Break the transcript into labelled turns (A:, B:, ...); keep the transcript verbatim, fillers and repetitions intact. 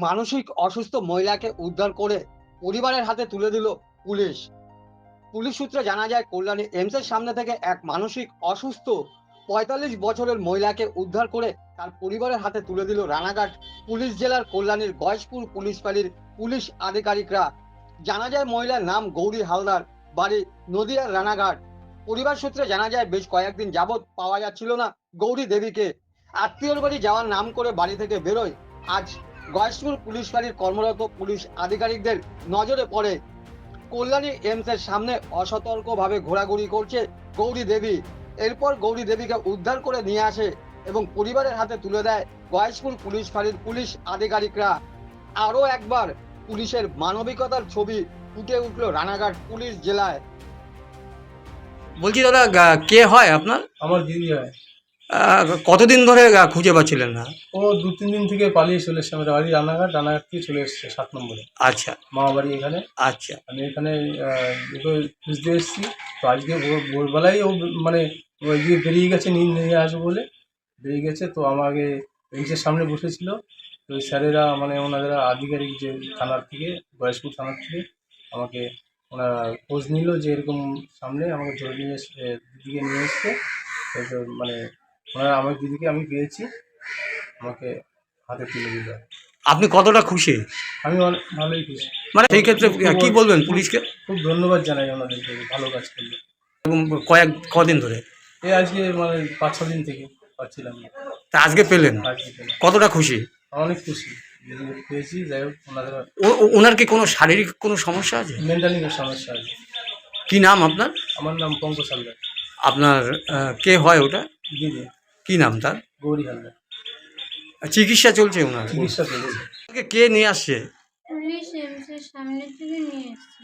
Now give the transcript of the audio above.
A: মানসিক অসুস্থ মহিলাকে উদ্ধার করে পরিবারের হাতে তুলে দিল পুলিশ। পুলিশ সূত্রে জানা যায়, কল্যাণী এমসের সামনে থেকে এক মানসিক অসুস্থ পঁয়তাল্লিশ বছরের মহিলাকে উদ্ধার করে তার পরিবারের হাতে তুলে দিল রানাঘাট পুলিশ জেলার কল্যাণীর গয়েশপুর পুলিশ ফাঁড়ির পুলিশ আধিকারিকরা। জানা যায়, মহিলার নাম গৌরী হালদার, বাড়ি নদিয়ার রানাঘাট। পরিবার সূত্রে জানা যায়, বেশ কয়েকদিন যাবৎ পাওয়া যাচ্ছিল না গৌরী দেবীকে। আত্মীয়র বাড়ি যাওয়ার নাম করে বাড়ি থেকে বেরোয়। আজ গয়েশপুর পুলিশ ফাঁড়ির কর্মরত পুলিশ আধিকারিকদের নজরে পড়ে কল্যাণী এমসের সামনে অসতর্কভাবে ঘোরাঘুরি করছে গৌরী দেবী। এরপর গৌরী দেবীকে উদ্ধার করে নিয়ে আসে এবং পরিবারের হাতে তুলে দেয় গয়েশপুর পুলিশ ফাঁড়ির পুলিশ আধিকারিকরা। আরও একবার পুলিশের মানবিকতার ছবি ফুটে উঠল রানাঘাট পুলিশ জেলায়।
B: বলছি দাদা, গা- কে হয় আপনার?
C: আমার দিদি হয়।
B: আহ, কতদিন ধরে গা খুঁজে পাচ্ছিলেন না?
C: ও দু তিন দিন থেকে পালিয়ে চলে এসছে। আমাদের বাড়ি রানাঘাট, রানাঘাট থেকে চলে এসছে সাত নম্বরে,
B: আচ্ছা
C: মামা বাড়ি এখানে।
B: আচ্ছা।
C: আমি এখানে আহ, ওকে খুঁজতে এসেছি। তো আজকে ভোর ভোরবেলায় ও মানে ওই দিকে বেরিয়ে গেছে, নিয়ে নিয়ে আসবো বলে বেরিয়ে গেছে। তো আমাকে বেঞ্চের সামনে বসেছিল। তো ওই স্যারেরা মানে ওনাদের আধিকারিক যে থানার থেকে, গয়েশপুর থানার থেকে আমাকে ওনারা খোঁজ নিল যে এরকম সামনে আমাকে ধরে নিয়ে এসে দিদিকে নিয়ে এসছে। তো মানে ওনারা আমার দিদিকে আমি পেয়েছি, আমাকে হাতে তুলে দিল।
B: আপনি কতটা খুশি?
C: আমি অনেক ভালোই খুশি।
B: মানে সেই ক্ষেত্রে কি বলবেন পুলিশকে?
C: খুব ধন্যবাদ জানাই ওনাদেরকে, ভালো কাজ করলো।
B: এবং কয়েক কদিন ধরে?
C: এই আজকে মানে পাঁচ ছ দিন থেকে পাচ্ছিলাম না,
B: তা আজকে পেলেন,
C: আজকে পেলাম।
B: কতটা খুশি?
C: অনেক খুশি, দিদিকে পেয়েছি। যাই হোক, ওনাদের
B: ও- ও- ওনার কি কোনো শারীরিক কোনো সমস্যা আছে?
C: মেন্টালি সমস্যা আছে।
B: কি নাম আপনার?
C: আমার নাম পঙ্কজ হালদার।
B: আপনার আহ, কে হয় ওটা?
C: দিদি
B: কি নাম তার?
C: গৌরী হালদার।
B: চিকিৎসা চলছে ওনার?
C: চিকিৎসা চলেছে।
B: ওনাকে কে নিয়ে আসছে?
D: পুলিশ এমসের সামনে থেকে নিয়ে এসছে।